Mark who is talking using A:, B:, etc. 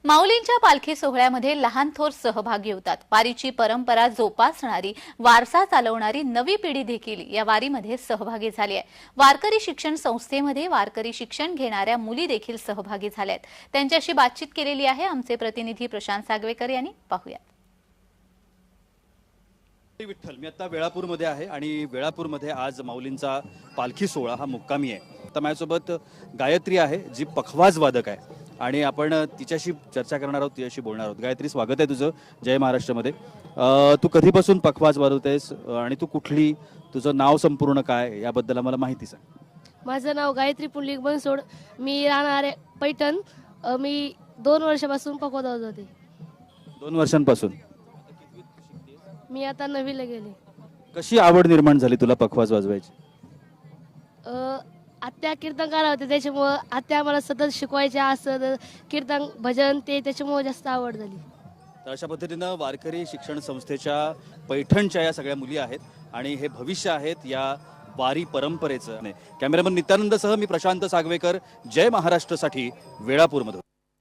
A: माऊलींच्या पालखी सोहळ्यामध्ये लहान थोर सहभागी होतात। वारीची परंपरा जोपासणारी, वारसा चालवणारी नवी पिढी देखील या वारीमध्ये सहभागी झाली आहे। वारकरी शिक्षण संस्थेमध्ये वारकरी शिक्षण घेणाऱ्या मुली देखील सहभागी झाल्या आहेत। त्यांच्याशी बातचीत केलेली आहे आमचे प्रतिनिधी प्रशांत सागवेकर यांनी। पाहूया।
B: विठ्ठल, मी आता वेळापूरमध्ये आहे आणि वेळापूरमध्ये आज माऊलींचा पालखी सोहळा हा मुक्कामी आहे। तर माझ्यासोबत गायत्री आहे, जी पखवाज वादक आहे आणि आपण तिच्याशी चर्चा करणार आहोत, तिच्याशी बोलणार आहोत। गायत्री, स्वागत आहे तुझं जय महाराष्ट्रमध्ये। तू कधीपासून पखवाज वाजवतेस आणि तू कुठली, तुझं नाव संपूर्ण काय याबद्दल मला माहिती सांग।
C: माझं नाव गायत्री पुंडलिक बनसोड, मी राहणार आहे पैठण। मी 2 वर्षापासून पखवाज वाजवते।
B: 2 वर्षांपासून?
C: मी आता 9वीला गेले।
B: कशी आवड निर्माण झाली तुला पखवाज वाजवायची?
C: आत्या कीर्तनकार होते, त्याच्यामुळं आत्या मला सतत शिकवायच्या, असं कीर्तन भजन ते, त्याच्यामुळे जास्त आवड झाली।
B: तर अशा पद्धतीनं वारकरी शिक्षण संस्थेच्या पैठणच्या या सगळ्या मुली आहेत आणि हे भविष्य आहेत या वारी परंपरेचं। कॅमेरामन नित्यानंदसह मी प्रशांत सागवेकर, जय महाराष्ट्रसाठी वेळापूरमधून।